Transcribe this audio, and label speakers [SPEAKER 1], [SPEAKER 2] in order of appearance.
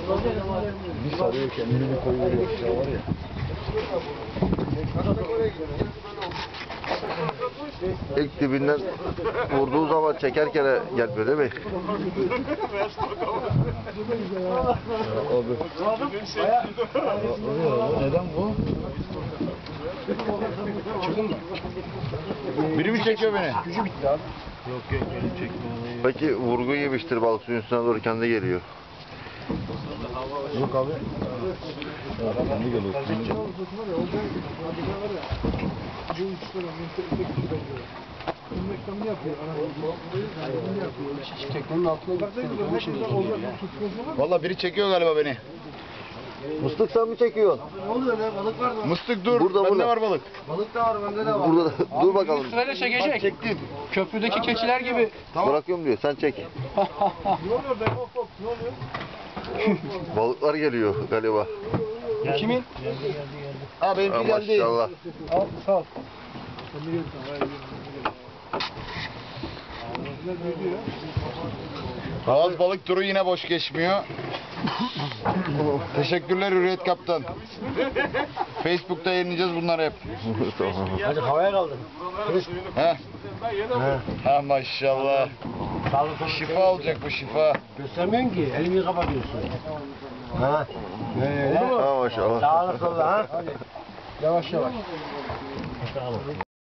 [SPEAKER 1] Bir sarıyor kendini bir koyuyor aşağı var ya.
[SPEAKER 2] İlk dibinden vurduğu zaman çekerken gelmiyor değil mi?
[SPEAKER 1] Abi. Neden bu? Çıktın mı? Biri mi çekiyor beni? Gücü bitti abi. Yok beni çekmiyor.
[SPEAKER 2] Belki vurgu yemiştir, balık suyun üstüne doğru kendi geliyor.
[SPEAKER 1] Yok abi. Kendi geliyor. Valla biri çekiyor galiba beni.
[SPEAKER 2] Mıstık sen mi çekiyorsun?
[SPEAKER 3] Ne oluyor lan? Balık var mı?
[SPEAKER 1] Mıstık dur.
[SPEAKER 2] Burada,
[SPEAKER 1] Bende
[SPEAKER 2] burada.
[SPEAKER 1] var balık.
[SPEAKER 3] Balık da var, bende de var.
[SPEAKER 2] Burada dur bakalım.
[SPEAKER 4] Sırayla çekecek.
[SPEAKER 1] Çektim.
[SPEAKER 4] Köprüdeki keçiler gibi.
[SPEAKER 2] Bırakıyorum diyor. Sen çek.
[SPEAKER 3] Ne oluyor be? Hop hop. Ne oluyor?
[SPEAKER 2] Balıklar geliyor galiba.
[SPEAKER 4] Kimin?
[SPEAKER 1] Ha benimki
[SPEAKER 2] Ha,
[SPEAKER 1] geldi.
[SPEAKER 2] maşallah.
[SPEAKER 4] Al, sağ ol.
[SPEAKER 1] Havaz balık turu yine boş geçmiyor. Teşekkürler Hürriyet Kaptan. Facebook'ta yayınlayacağız bunları hep.
[SPEAKER 2] Tamam.
[SPEAKER 3] Hadi havaya kaldır.
[SPEAKER 1] He? Ha maşallah. Şifa olacak bu şifa.
[SPEAKER 3] Göstermiyorsun ki. Elimi kapatıyorsun. Ha.
[SPEAKER 2] Ha maşallah.
[SPEAKER 3] Sağlık oldu ha. Yavaş yavaş.